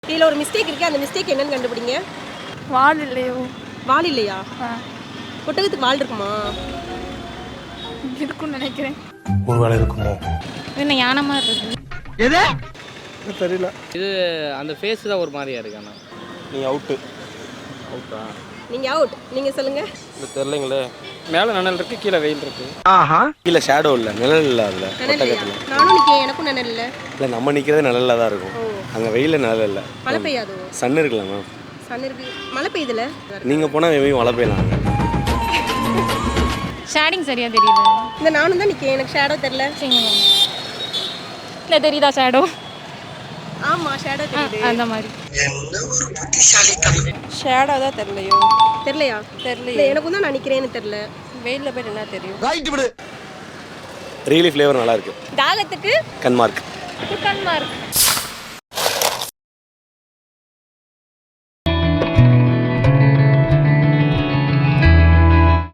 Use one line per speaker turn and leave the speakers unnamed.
இதில் ஒரு மிஸ்டேக் இருக்குது, அந்த மிஸ்டேக் என்னன்னு கண்டுபிடிங்க.
வால் இல்லையோ?
வால் இல்லையா? ஒட்டகத்துக்கு வால் இருக்குமா?
இருக்குன்னு நினைக்கிறேன்.
ஒரு வேளை இருக்குமோ?
என்ன யானை மாதிரி இருக்கு.
எது தெரியல.
இது அந்த ஃபேஸ் தான் ஒரு மாதிரியா இருக்கு. ஆனால்
நீ அவுட்டு.
அவுட்டா?
நீங்கள் அவுட். நீங்கள் சொல்லுங்கள்.
இது தெரியலைங்களே.
மேலே நிழல் இருக்கு, கீழே வெயில் இருக்கு.
ஆஹா. கீழே ஷேடோ இல்லை, நிழல் இல்லை. அதில்
நிழல் நானும் நிற்கிறேன், எனக்கும் நிழல் இல்லை.
இல்லை, நம்ம நிற்கிறதே நிழலில் தான் இருக்கும். அங்கே வெயிலில் நிழல் இல்லை.
மழை பெய்யாதோ?
சன் இருக்குல்ல மேம்.
சன் இருக்கு, மழை பெய்யுதுல.
நீங்கள் போனால் வெயில் மழை பெய்யலாம்.
ஷேடிங் சரியா தெரியல.
இந்த நானும் தான் நிற்கிறேன், எனக்கு ஷேடோ தெரில.
இல்லை தெரியுதா ஷேடோ?
ஆமாம், ஷேடோ தெரியுது.
அந்த மாதிரி
ஷேடோ தான் தெரியலையோ?
தெரியலையா?
தெரியல.
எனக்கும் தான் நான் நிற்கிறேன்னு தெரில.
வெயிலில் போய் என்ன தெரியும்?
ரைட் விடு. ரியலி ஃப்ளேவர் நல்லா இருக்கு.
தாகத்துக்கு
கன்மார்க்.
குட்டன்மா இருக்கு.